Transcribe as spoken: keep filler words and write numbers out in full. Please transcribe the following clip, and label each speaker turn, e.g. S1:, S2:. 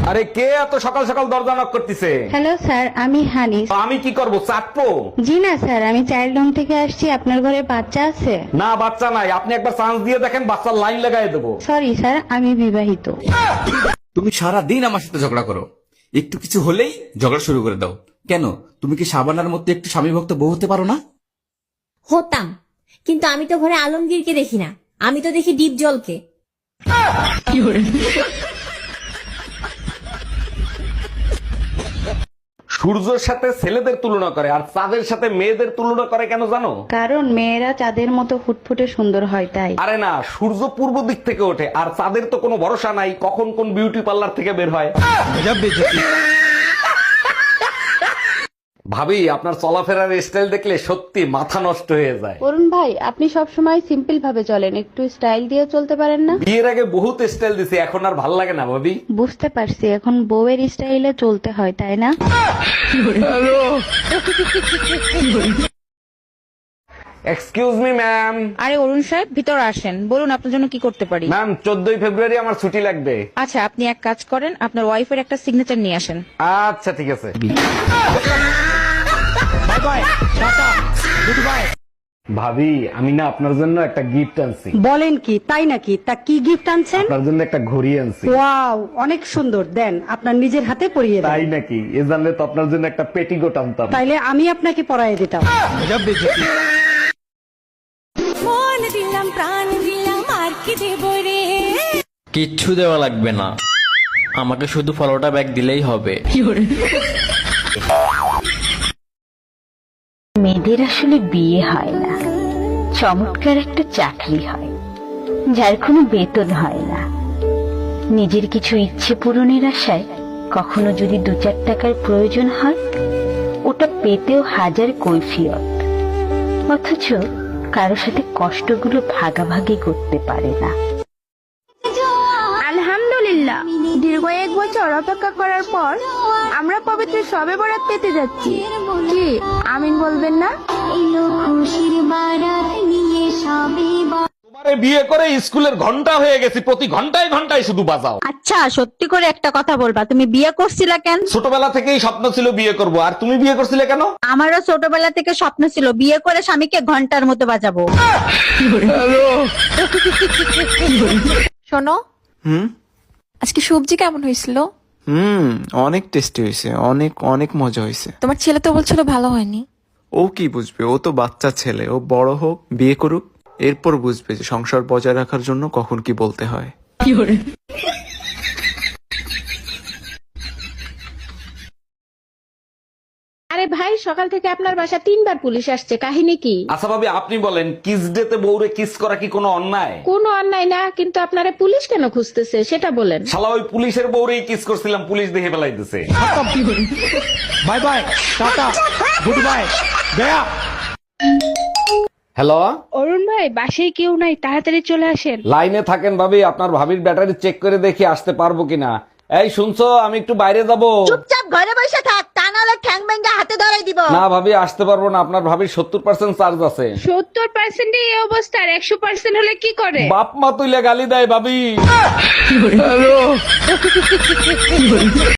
S1: আরে কে এত সকাল সকাল দরজা নক করতেছে?
S2: হ্যালো স্যার, আমি হানি।
S1: তো আমি কি করব, চাটবো?
S2: জি না স্যার, আমি চাইল্ড হোম থেকে আসছি। আপনার ঘরে বাচ্চা আছে?
S1: না, বাচ্চা নাই। আপনি একবার চান্স দিয়ে দেখেন, বাচ্চার লাইন লাগাই দেবো।
S2: সরি স্যার, আমি বিবাহিত।
S3: তুমি সারা দিন আমার সাথে ঝগড়া করো, একটু কিছু হলেই ঝগড়া শুরু করে দাও। কেন, তুমি কি সাবানার মধ্যে একটু স্বামী ভক্ত বউ হতে পারো না?
S4: হতাম, কিন্তু আমি তো ঘরে আলমগীরকে দেখি না, আমি তো দেখি ডিপ জলকে।
S1: সূর্যের সাথে ছেলেদের তুলনা করে আর চাঁদের সাথে মেয়েদের তুলনা করে কেন জানো?
S2: কারণ মেয়েরা চাঁদের মতো ফুটফুটে সুন্দর হয় তাই।
S1: আরে না, সূর্য পূর্ব দিক থেকে ওঠে আর চাঁদের তো কোনো ভরসা নাই কখন কোন বিউটি পার্লার থেকে বের হয়। ভাবি, আপনার চলাফেরার স্টাইল দেখলে সত্যি মাথা নষ্ট হয়ে যায়।
S2: অরুণ ভাই, আপনি সব সময় সিম্পল ভাবে চলেন, একটু স্টাইল দিয়ে চলতে পারেন না?
S1: বিয়ের আগে বহুত স্টাইল দিছি, এখন আর ভাল লাগে না ভাবি।
S2: বুঝতে পারছি, এখন বউয়ের স্টাইলে চলতে হয় তাই না?
S1: Excuse me ma'am.
S5: আরে অরুণ সাহেব, ভিতর আসেন, বলুন আপনার জন্য কি করতে পারি।
S1: ম্যাম, চোদ্দই ফেব্রুয়ারি আমার ছুটি লাগবে।
S5: আচ্ছা, আপনি এক কাজ করেন, আপনার ওয়াইফের একটা সিগনেচার নিয়ে আসেন।
S1: আচ্ছা ঠিক আছে। ভাবি, আমি না আপনার জন্য একটা গিফট আনছি।
S6: বলেন কি, তাই নাকি? তা কি গিফট আনছেন?
S1: আপনার জন্য একটা ঘড়ি আনছি।
S6: ওয়াও, অনেক সুন্দর। দেন, আপনার নিজের হাতে পরিয়ে দেন।
S1: তাই নাকি? এ জানলে তো আপনার জন্য একটা পেটিকোট আনতাম।
S6: তাইলে আমি আপনাকে পরাইয়ে দিতাম।
S4: মন দিলাম, প্রাণ দিলাম, আর কি দেব রে।
S7: কিচ্ছু দেওয়া লাগবে না, আমাকে শুধু ফলোটা ব্যাগ দিলেই হবে।
S8: মেয়েদের আসলে বিয়ে হয় না, চমৎকার একটা চাকরি হয় যার কোনো বেতন হয় না। নিজের কিছু ইচ্ছে পূরণের আশায় কখনো যদি দু চার টাকার প্রয়োজন হয়, ওটা পেতেও হাজার কৈফিয়ত, অথচ কারো সাথে কষ্টগুলো ভাগাভাগি করতে পারে না।
S9: আলহামদুলিল্লাহ, দীর্ঘ এক বছর অপেক্ষা করার পর আমরা পবিত্র শবে বরাত পেতে যাচ্ছি। কি আমিন বলবেন না?
S1: তোমারে বিয়ে করে স্কুলের ঘন্টা হয়ে গেছি, প্রতি ঘন্টায় ঘন্টায় শুধু বাজাও।
S5: আচ্ছা, সত্যি করে একটা কথা বলবা, তুমি বিয়ে করছিলা কেন?
S1: ছোটবেলা থেকেই স্বপ্ন ছিল বিয়ে করব, আর তুমি বিয়ে করছিলে কেন?
S5: আমারও ছোটবেলা থেকে স্বপ্ন ছিল বিয়ে করে স্বামীকে ঘন্টার মতো বাজাবো।
S9: শোনো,
S10: হুম
S9: আজকে সবজি কেমন হয়েছিল?
S10: হুম অনেক টেস্টি হয়েছে, অনেক অনেক মজা হয়েছে।
S9: তোমার ছেলে তো বলছিল ভালো হয়নি।
S10: ও কি বুঝবে, ও তো বাচ্চা ছেলে, ও বড় হোক, বিয়ে করুক, এরপর বুঝবে যে সংসার বজায় রাখার জন্য কখন কি বলতে হয়।
S5: আরে ভাই, সকাল থেকে আপনার বাসা তিনবার পুলিশ আসছে, কাহিনী কি?
S1: আচ্ছা ভাবি, আপনি বলেন, কিস ডেতে বউরে কিস করা কি কোনো অন্যায়?
S5: কোনো অন্যায় না, কিন্তু আপনারা পুলিশ কেন খুঁজতেছে সেটা বলেন।
S1: শালা ওই পুলিশের বউরেই কিস করছিলাম, পুলিশ দেখে ফেলাইতেছে।
S3: বাই বাই, টাটা, গুড বাই, গয়া।
S1: হ্যালো,
S9: অরুণ ভাই, বাসায় কেউ নাই, তাড়াতাড়ি চলে আসেন।
S1: লাইনে থাকেন ভাবি, আপনার ভাবির ব্যাটারি চেক করে দেখি আসতে পারবো কিনা। এই শুনছো, আমি একটু বাইরে যাব।
S5: চুপচাপ ঘরে বসে থাক, তা নাহলে ঠ্যাং ভেঙে হাতে ধরাই দিব।
S1: না ভাবি, আসতে পারবো না, আপনার ভাবির সত্তর পার্সেন্ট চার্জ আছে।
S9: সত্তর পার্সেন্ট এই অবস্থা, আর একশো পার্সেন্ট হলে কি করে?
S1: বাপ মা তুইলে গালি দেয় ভাবি।